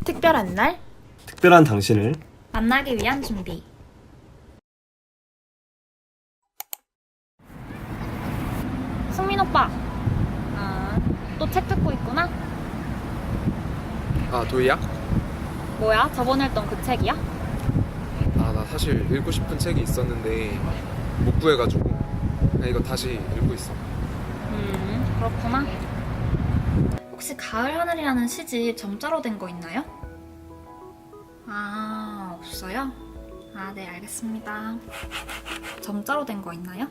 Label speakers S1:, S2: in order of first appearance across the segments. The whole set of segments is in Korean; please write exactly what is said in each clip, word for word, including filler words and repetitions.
S1: 특별한 날,
S2: 특별한 당신을
S1: 만나기 위한 준비. 승민 오빠, 아, 또 책 듣고 있구나?
S3: 아, 도희야?
S1: 뭐야? 저번에 했던 그 책이야?
S3: 아, 나 사실 읽고 싶은 책이 있었는데 못 구해가지고 그냥 이거 다시 읽고 있어.
S1: 음, 그렇구나. 혹시 가을 하늘이라는 시집 점자로 된 거 있나요? 아, 없어요? 아, 네, 알겠습니다. 점자로 된 거 있나요?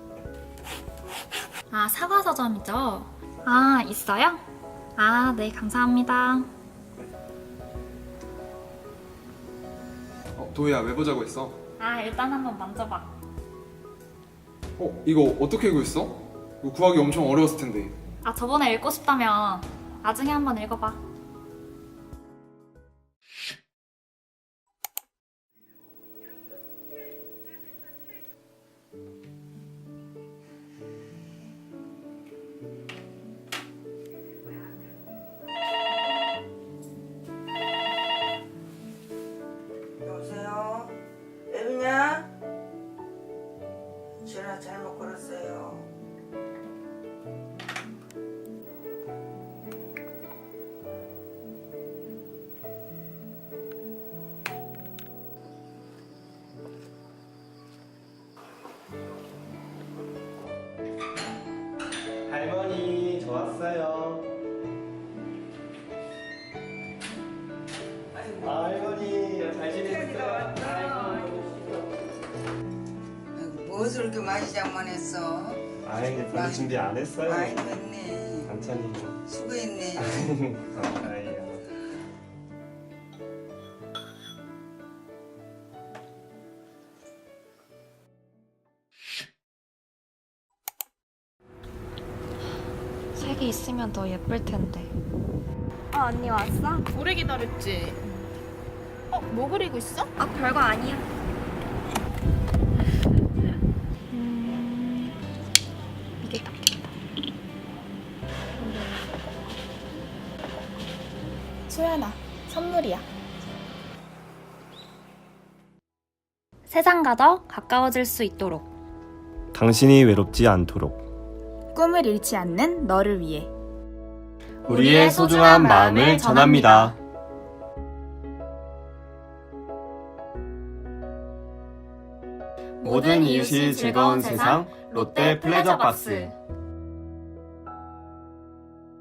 S1: 아, 사과서점이죠? 아, 있어요? 아, 네, 감사합니다.
S3: 어, 도희야, 왜 보자고 했어?
S1: 아, 일단 한번 만져봐.
S3: 어, 이거 어떻게 읽고 있어? 이거 구하기 엄청 어려웠을 텐데.
S1: 아, 저번에 읽고 싶다며. 나중에 한번 읽어봐.
S4: 여보세요? 애비냐? 전화 잘못 걸었어요.
S2: 할머니 저 왔어요.
S4: 아이고,
S2: 아, 할머니 잘
S4: 태연이가 왔다. 아이고, 무엇을 이렇게 많이 장만했어?
S2: 아이 별로 준비 안 했어요.
S4: 많이 했네.
S2: 반찬이
S4: 수고했네.
S2: 감사해요.
S1: 색이 있으면 더 예쁠 텐데.
S5: 어, 언니 왔어?
S6: 오래 기다렸지? 어? 뭐 그리고 있어?
S5: 아, 별거 아니야.
S1: 음, 이게 낫겠다.
S6: 소연아, 선물이야.
S1: 세상과 더 가까워질 수 있도록.
S2: 당신이 외롭지 않도록
S6: 꿈을 잃지 않는 너를 위해.
S2: 우리의 소중한 마음을 전합니다. 모든 이웃이 즐거운 세상 롯데 플레저박스.